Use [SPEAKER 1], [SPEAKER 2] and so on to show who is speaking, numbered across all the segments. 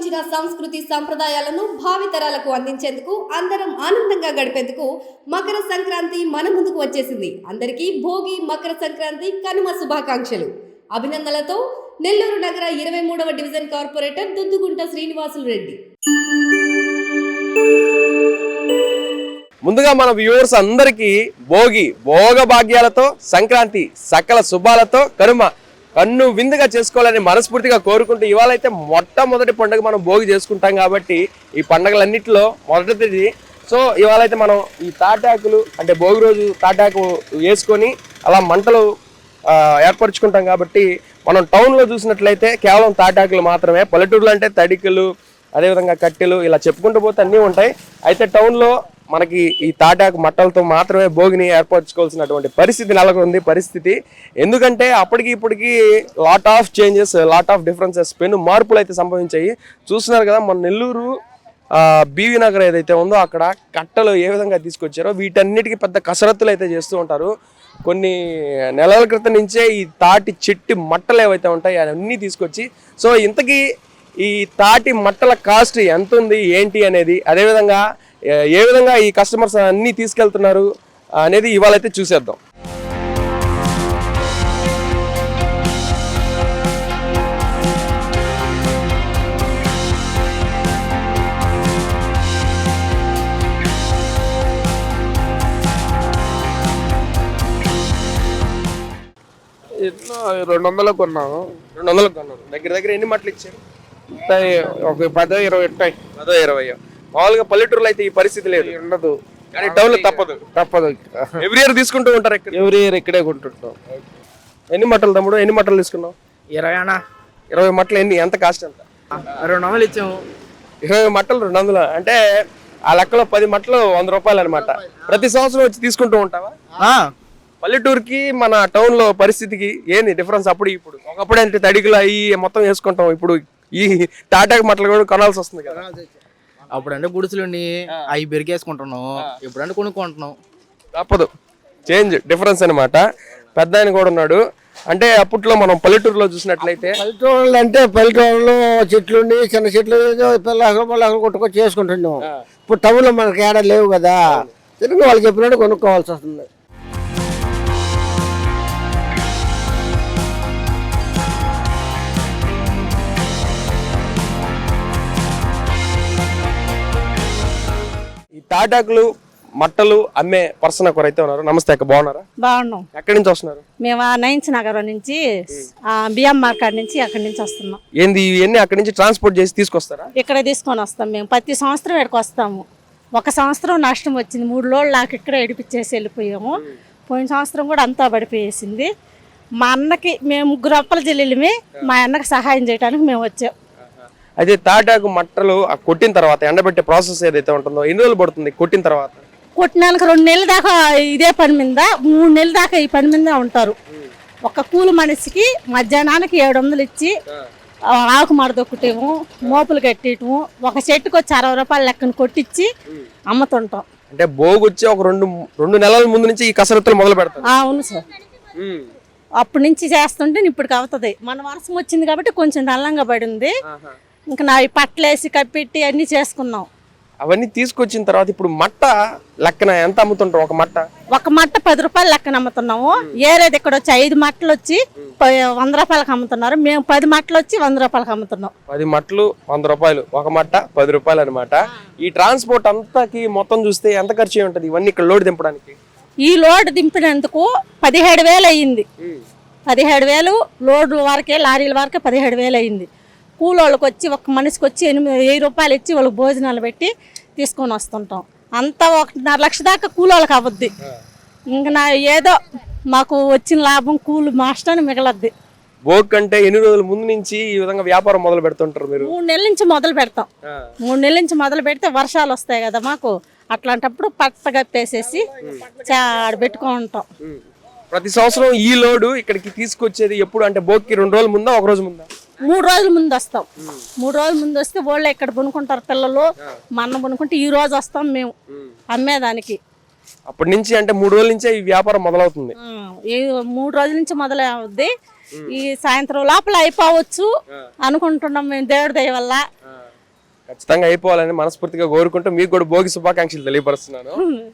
[SPEAKER 1] ప్రాచీన సంస్కృతి సంప్రదాయాలను భావితరాలకు అందించేందుకు అందరం ఆనందంగా గడిపేందుకు మకర సంక్రాంతి మన ముందుకు వచ్చేసింది. అందరికీ భోగి, మకర సంక్రాంతి, కనుమ శుభాకాంక్షలు. అభినందనలతో నెల్లూరు నగర 23వ డివిజన్ కార్పొరేటర్ దుద్దుగుంట శ్రీనివాసులు రెడ్డి.
[SPEAKER 2] ముందుగా మన వ్యూవర్స్ అందరికీ భోగి భోగ భాగ్యాలతో, సంక్రాంతి సకల శుభాలతో, కనుమ కన్ను విందుగా చేసుకోవాలని మనస్ఫూర్తిగా కోరుకుంటూ ఇవాళ అయితే మొట్టమొదటి పండుగ మనం భోగి చేసుకుంటాం కాబట్టి ఈ పండుగలన్నింటిలో మొదటిది. సో ఇవాళ అయితే మనం ఈ తాటాకులు అంటే భోగి రోజు తాటాకు వేసుకొని అలా మంటలు ఏర్పరచుకుంటాం కాబట్టి మనం టౌన్లో చూసినట్లయితే కేవలం తాటాకులు మాత్రమే, పల్లెటూరులో అంటే తడికలు, అదేవిధంగా కట్టెలు, ఇలా చెప్పుకుంటూ పోతే అన్నీ ఉంటాయి. అయితే టౌన్లో మనకి ఈ తాటాకు మట్టలతో మాత్రమే భోగిని ఏర్పరచుకోవాల్సినటువంటి పరిస్థితి నెలకొంది. పరిస్థితి ఎందుకంటే అప్పటికి ఇప్పటికి lot of changes, lot of differences, పెను మార్పులు అయితే సంభవించాయి. చూస్తున్నారు కదా, మన నెల్లూరు బీవీ నగర్ ఏదైతే ఉందో అక్కడ కట్టలు ఏ విధంగా తీసుకొచ్చారో వీటన్నిటికీ పెద్ద కసరత్తులు అయితే చేస్తూ ఉంటారు. కొన్ని నెలల క్రితం నుంచే ఈ తాటి చెట్టి మట్టలు ఏవైతే ఉంటాయి అవన్నీ తీసుకొచ్చి, సో ఇంతకీ ఈ తాటి మట్టల కాస్ట్ ఎంత ఉంది ఏంటి అనేది, అదేవిధంగా ఏ విధంగా ఈ కస్టమర్స్ అన్నీ తీసుకెళ్తున్నారు అనేది ఇవాళ అయితే చూసేద్దాం.
[SPEAKER 3] ఎట్లా 200 కొన్నాము.
[SPEAKER 2] 200 కొన్నారు. దగ్గర దగ్గర ఎన్ని మట్టలు ఇచ్చారు?
[SPEAKER 3] ఒక 10-20 ఉంటాయి.
[SPEAKER 2] 10-20. మామూలుగా పల్లెటూరులో అయితే ఈ పరిస్థితి లేదు,
[SPEAKER 3] ఉండదు.
[SPEAKER 2] కానీ టౌన్ లో తప్పదు. ఎవ్రీ ఇయర్ తీసుకుంటూ ఉంటారు.
[SPEAKER 3] ఎవ్రీ ఇయర్ ఇక్కడే కొంటుంటాం.
[SPEAKER 2] ఎన్ని మట్టలు తమ్ముడు, ఎన్ని మట్టలు తీసుకున్నావు? 20 మట్టలు. ఎంత కాస్ట్? ఎంత?
[SPEAKER 3] 200 ఇచ్చాము.
[SPEAKER 2] 20 మట్టలు 200 అంటే ఆ లెక్కలో 10 మట్టలు 100 రూపాయలు అనమాట. ప్రతి సంవత్సరం వచ్చి తీసుకుంటూ ఉంటావా? పల్లెటూరుకి మన టౌన్ లో పరిస్థితికి ఏంది డిఫరెన్స్? అప్పుడు ఇప్పుడు ఒకప్పుడు అంటే తడికలు అవి మొత్తం వేసుకుంటాం, ఇప్పుడు ఈ తాటాకు మట్టలు కూడా కొనాల్సి వస్తుంది కదా.
[SPEAKER 4] అప్పుడంటే గుడిసెలుండి అవి బెరికేసుకుంటున్నాం, ఇప్పుడంటే కొనుక్కుంటున్నాం.
[SPEAKER 2] తప్పదు, చేంజ్ డిఫరెన్స్ అనమాట. పెద్ద ఆయన కూడా ఉన్నాడు. అంటే అప్పట్లో మనం పల్లెటూరులో చూసినట్లయితే
[SPEAKER 5] పల్లెటూరులో అంటే పల్లెటూరులో చెట్లుండి చిన్న చెట్లు పిల్లలు కొట్టుకొని చేసుకుంటున్నాం. ఇప్పుడు టౌన్లో మనకి ఏడా లేవు కదా, తిరిగి వాళ్ళు చెప్పినట్టు కొనుక్కోవాల్సి వస్తుంది.
[SPEAKER 2] ఈ తాటాకులు మట్టలు అమ్మే పర్సన్ ఒకరైతే ఉన్నారు. నమస్తే అక్క, బాగున్నారా?
[SPEAKER 6] బాగున్నాం.
[SPEAKER 2] ఎక్కడి నుంచి వస్తున్నారు?
[SPEAKER 6] మేము నైన్స్ నగరం నుంచి, బియ్యం మార్కెట్ నుంచి అక్కడి నుంచి వస్తున్నాం.
[SPEAKER 2] ఏంది ఇవన్నీ అక్కడి నుంచి ట్రాన్స్పోర్ట్ చేసి తీసుకొస్తారా?
[SPEAKER 6] ఇక్కడ తీసుకొని వస్తాం. మేము ప్రతి సంవత్సరం ఇక్కడికి వస్తాము. ఒక సంవత్సరం నష్టం వచ్చింది, 3 రోజులు నాకు ఇక్కడ ఎడిపించేసి వెళ్ళిపోయాము. పోయిన సంవత్సరం కూడా అంతా పడిపోయేసింది. మా అన్నకి మేము 3 అప్పల చెల్లెళ్ళమే, మా అన్నకి సహాయం చేయడానికి మేము వచ్చాం.
[SPEAKER 2] అయితే తాటాకు మట్టలు కొట్టిన తర్వాత ఎండబెట్టే ప్రాసెస్ ఏదైతే ఉంటుందో ఎన్ని రోజులు పడుతుంది? కొట్టిన తర్వాత
[SPEAKER 6] కొట్టినాక 2 నెలల దాకా ఇదే పని మీద, 3 నెలల దాకా ఈ పని మీద ఉంటారు. ఒక కూలి మనిషికి మధ్యాహ్నానికి 700 ఇచ్చి ఆకు మడదొక్కటేమో, మోపులు కట్టేయటము, ఒక చెట్టుకు వచ్చి 60 రూపాయల లెక్కన కొట్టించి అమ్ముతుంటాం.
[SPEAKER 2] అంటే భోగి వచ్చి ఒక 2 నెలల ముందు నుంచి ఈ కసరత్తులు మొదలు పెడతాం.
[SPEAKER 6] అవును సార్, అప్పటి నుంచి చేస్తుంటే ఇప్పటికి అవుతుంది. మన వర్షం వచ్చింది కాబట్టి కొంచెం నల్లంగా పడింది. ఇంకా నా పట్లేసి కప్పెట్టి అన్ని చేసుకున్నాం.
[SPEAKER 2] అవన్నీ తీసుకొచ్చిన తర్వాత ఇప్పుడు మట్ట లెక్కన ఎంత అమ్ముతుంటాం? ఒక మట్ట
[SPEAKER 6] 10 రూపాయలు లెక్కన అమ్ముతున్నాము. ఏరేది ఇక్కడ వచ్చి 5 మట్టలు వచ్చి 100 రూపాయలకు అమ్ముతున్నారు. మేము 10 మట్టలు వచ్చి 100 రూపాయలకు అమ్ముతున్నాం.
[SPEAKER 2] 10 మట్టలు 100 రూపాయలు, ఒక మట్ట 10 రూపాయలు అనమాట. ఈ ట్రాన్స్పోర్ట్ అంతాకి మొత్తం చూస్తే ఎంత ఖర్చు అయి ఉంటుంది ఇవన్నీ ఇక్కడ లోడ్ దింపడానికి?
[SPEAKER 6] ఈ లోడ్ దింపినందుకు 17,000 అయ్యింది. 17,000 లోడ్ల వరకే, లారీల వరకే 17,000 అయ్యింది. కూలోళ్ళకి వచ్చి ఒక మనిషికి వచ్చి 8,000 రూపాయలు ఇచ్చి వాళ్ళకి భోజనాలు పెట్టి తీసుకొని వస్తుంటాం. అంతా 1.5 లక్ష దాకా కూలోళ్ళకి అవ్వద్ది. ఇంకా నా ఏదో మాకు వచ్చిన లాభం కూలి మాస్టర్ని మిగలద్ది.
[SPEAKER 2] భోగి అంటే ఎన్ని రోజుల ముందు నుంచి ఈ విధంగా వ్యాపారం మొదలు పెడుతుంటారు మీరు?
[SPEAKER 6] 3 నెలల నుంచి మొదలు పెడతాం. 3 నెలల నుంచి మొదలు పెడితే వర్షాలు వస్తాయి కదా మాకు, అట్లాంటప్పుడు పట్ట కప్పేసేసి పెట్టుకుంటాం.
[SPEAKER 2] ప్రతి సంవత్సరం ఈ లోడు ఇక్కడికి తీసుకొచ్చేది ఎప్పుడు? అంటే భోగికి 2 రోజుల ముందా, 1 రోజు ముందా?
[SPEAKER 6] 3 రోజుల ముందు వస్తాం. 3 రోజుల ముందు వస్తే వాళ్ళు ఇక్కడ కొనుక్కుంటారు పిల్లలు, మా అన్న కొనుక్కుంటే ఈ రోజు వస్తాం మేము అమ్మేదానికి.
[SPEAKER 2] అప్పటి నుంచి అంటే 3 రోజుల నుంచే ఈ వ్యాపారం మొదలవుతుంది.
[SPEAKER 6] 3 రోజుల నుంచి మొదలవుద్ది. ఈ సాయంత్రం లోపల అయిపోవచ్చు అనుకుంటున్నాం మేము, దేవుడి దయ వల్ల.
[SPEAKER 2] ఖచ్చితంగా అయిపోవాలని మనస్ఫూర్తిగా కోరుకుంటూ మీకు కూడా భోగి శుభాకాంక్షలు తెలియపరుస్తున్నాను.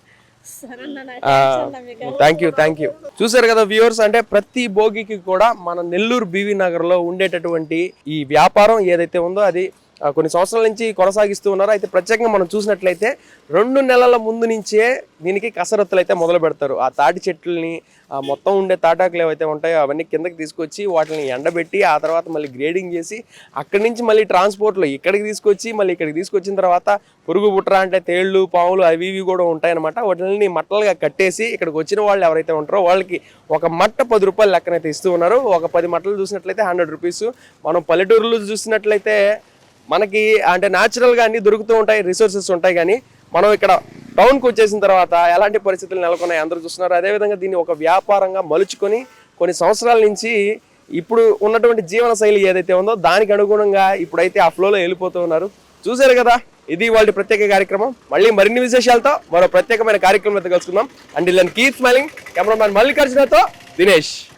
[SPEAKER 2] Thank you. చూసారు కదా వ్యూవర్స్, అంటే ప్రతి భోగికి కూడా మన నెల్లూరు బీవీ నగర్ లో ఉండేటటువంటి ఈ వ్యాపారం ఏదైతే ఉందో అది కొన్ని సంవత్సరాల నుంచి కొనసాగిస్తూ ఉన్నారు. అయితే ప్రత్యేకంగా మనం చూసినట్లయితే 2 నెలల ముందు నుంచే దీనికి కసరత్తులు అయితే మొదలు పెడతారు. ఆ తాటి చెట్లని మొత్తం ఉండే తాటాకులు ఏవైతే ఉంటాయో అవన్నీ కిందకి తీసుకొచ్చి వాటిని ఎండబెట్టి ఆ తర్వాత మళ్ళీ గ్రేడింగ్ చేసి అక్కడి నుంచి మళ్ళీ ట్రాన్స్పోర్ట్లో ఇక్కడికి తీసుకొచ్చి మళ్ళీ ఇక్కడికి తీసుకొచ్చిన తర్వాత పురుగు బుట్ర అంటే తేళ్ళు పాములు అవి ఇవి కూడా ఉంటాయన్నమాట. వాటిని మట్టలుగా కట్టేసి ఇక్కడికి వచ్చిన వాళ్ళు ఎవరైతే ఉంటారో వాళ్ళకి ఒక మట్ట 10 రూపాయలు లెక్కనైతే ఇస్తూ ఉన్నారు. ఒక 10 మట్టలు చూసినట్లయితే 100 రూపీస్. మనం పల్లెటూరులో చూసినట్లయితే మనకి అంటే న్యాచురల్గా అన్ని దొరుకుతూ ఉంటాయి, రిసోర్సెస్ ఉంటాయి. కానీ మనం ఇక్కడ టౌన్కి వచ్చేసిన తర్వాత ఎలాంటి పరిస్థితులు నెలకొన్నాయి అందరూ చూస్తున్నారు. అదేవిధంగా దీన్ని ఒక వ్యాపారంగా మలుచుకొని కొన్ని సంవత్సరాల నుంచి ఇప్పుడు ఉన్నటువంటి జీవన శైలి ఏదైతే ఉందో దానికి అనుగుణంగా ఇప్పుడైతే ఆ ఫ్లోలో వెళ్ళిపోతూ ఉన్నారు. చూశారు కదా, ఇది వాళ్ళ ప్రత్యేక కార్యక్రమం. మళ్ళీ మరిన్ని విశేషాలతో మరో ప్రత్యేకమైన కార్యక్రమంతో కలుసుకుందాం. అండ్ ఇలా కీప్ స్మైలింగ్. కెమెరామ్యాన్ మల్లికార్జునతో దినేష్.